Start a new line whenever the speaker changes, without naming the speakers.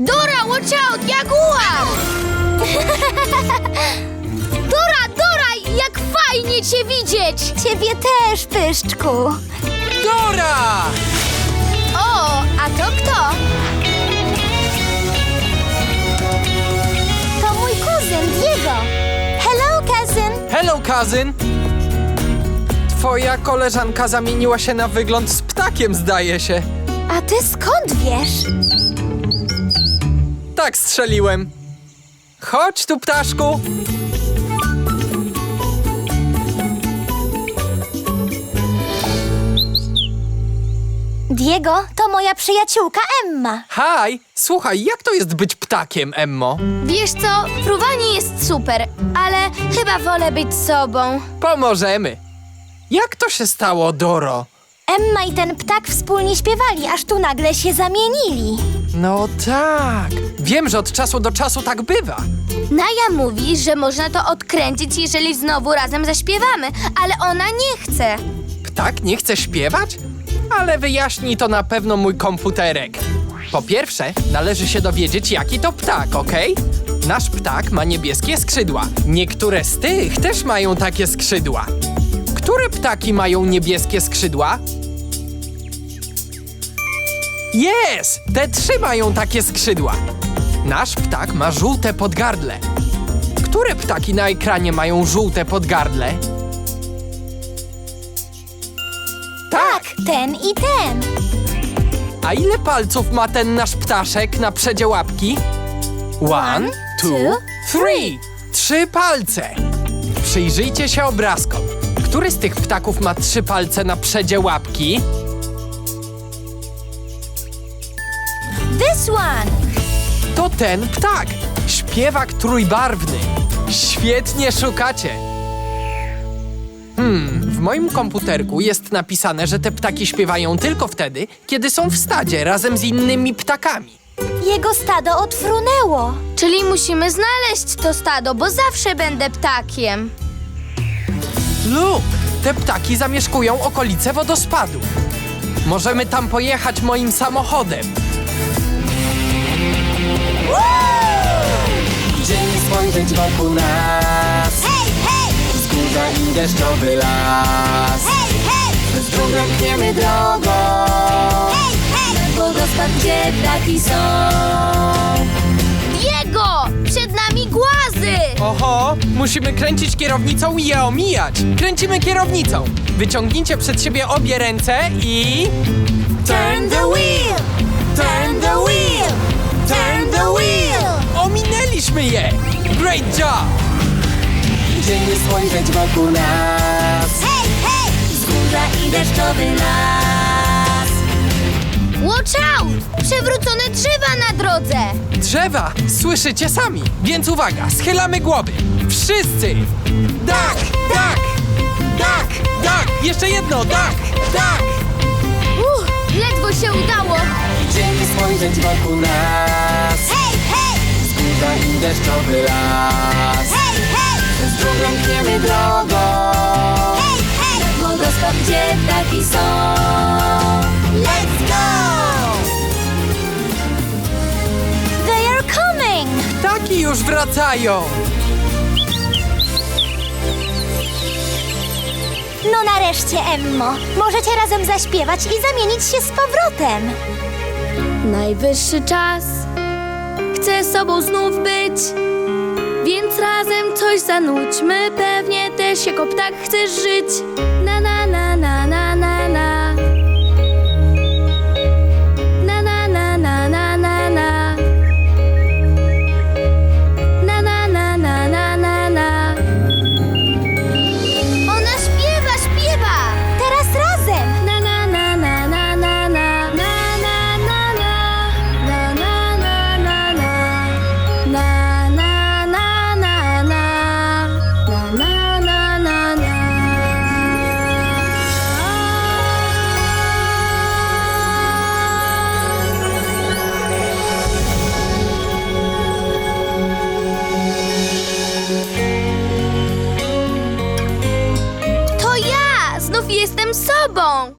Dora, watch out, jaguar! Dora, jak fajnie cię widzieć!
Ciebie też, Pyszczku.
Dora!
O, a to kto?
To mój kuzyn, Diego. Hello, cousin.
Hello, cousin! Twoja koleżanka zamieniła się na wygląd z ptakiem, zdaje się.
A ty skąd wiesz?
Tak strzeliłem. Chodź tu, ptaszku.
Diego, to moja przyjaciółka Emma.
Haj, słuchaj, jak to jest być ptakiem, Emmo?
Wiesz co, fruwanie jest super, ale chyba wolę być sobą.
Pomożemy. Jak to się stało, Doro?
Emma i ten ptak wspólnie śpiewali, aż tu nagle się zamienili.
No tak. Wiem, że od czasu do czasu tak bywa.
Naja mówi, że można to odkręcić, jeżeli znowu razem zaśpiewamy, ale ona nie chce.
Ptak nie chce śpiewać? Ale wyjaśni to na pewno mój komputerek. Po pierwsze, należy się dowiedzieć, jaki to ptak, okej? Nasz ptak ma niebieskie skrzydła. Niektóre z tych też mają takie skrzydła. Które ptaki mają niebieskie skrzydła? Jest! Te 3 mają takie skrzydła. Nasz ptak ma żółte podgardle. Które ptaki na ekranie mają żółte podgardle? Tak!
Ten i ten.
A ile palców ma ten nasz ptaszek na przedzie łapki? 1, 2, 3. 3 palce. Przyjrzyjcie się obrazkom. Który z tych ptaków ma 3 palce na przedzie łapki?
This one.
To ten ptak. Śpiewak trójbarwny. Świetnie szukacie. W moim komputerku jest napisane, że te ptaki śpiewają tylko wtedy, kiedy są w stadzie razem z innymi ptakami.
Jego stado odfrunęło.
Czyli musimy znaleźć to stado, bo zawsze będę ptakiem.
Lub te ptaki zamieszkują okolice wodospadu. Możemy tam pojechać moim samochodem.
Idziemy spojrzeć wokół nas.
Hej, hej!
Wzgórza i deszczowy las.
Hej, hej!
Z drugą pchniemy drogą.
Hej, hej!
Wodospad, gdzie ptaki są.
Diego! Przed nami głazy!
Oho, musimy kręcić kierownicą i je omijać. Kręcimy kierownicą. Wyciągnijcie przed siebie obie ręce i...
Turn the wheel! Turn the wheel! Turn the wheel!
Ominęliśmy je! Great job!
Idziemy spojrzeć wokół nas.
Hej, hej!
Wzgórza i deszczowy las.
Watch out! Przewrócone drzewa na drodze!
Drzewa! Słyszycie sami, więc uwaga, schylamy głowy. Wszyscy! Tak! Tak! Tak! Tak! Jeszcze jedno! Tak! Tak!
Ledwo się udało!
Idziemy spojrzeć wokół nas.
Hej, hej!
Wzgórza i deszczowy las.
Hej, hej!
Z drugą pchniemy drogą.
Hej, hej!
Wodospad, gdzie ptaki są.
Let's go! They are coming!
Ptaki już wracają!
No nareszcie, Emmo. Możecie razem zaśpiewać i zamienić się z powrotem.
Najwyższy czas, chcę sobą znów być, więc razem coś zanudźmy. Pewnie też jako ptak chcesz żyć.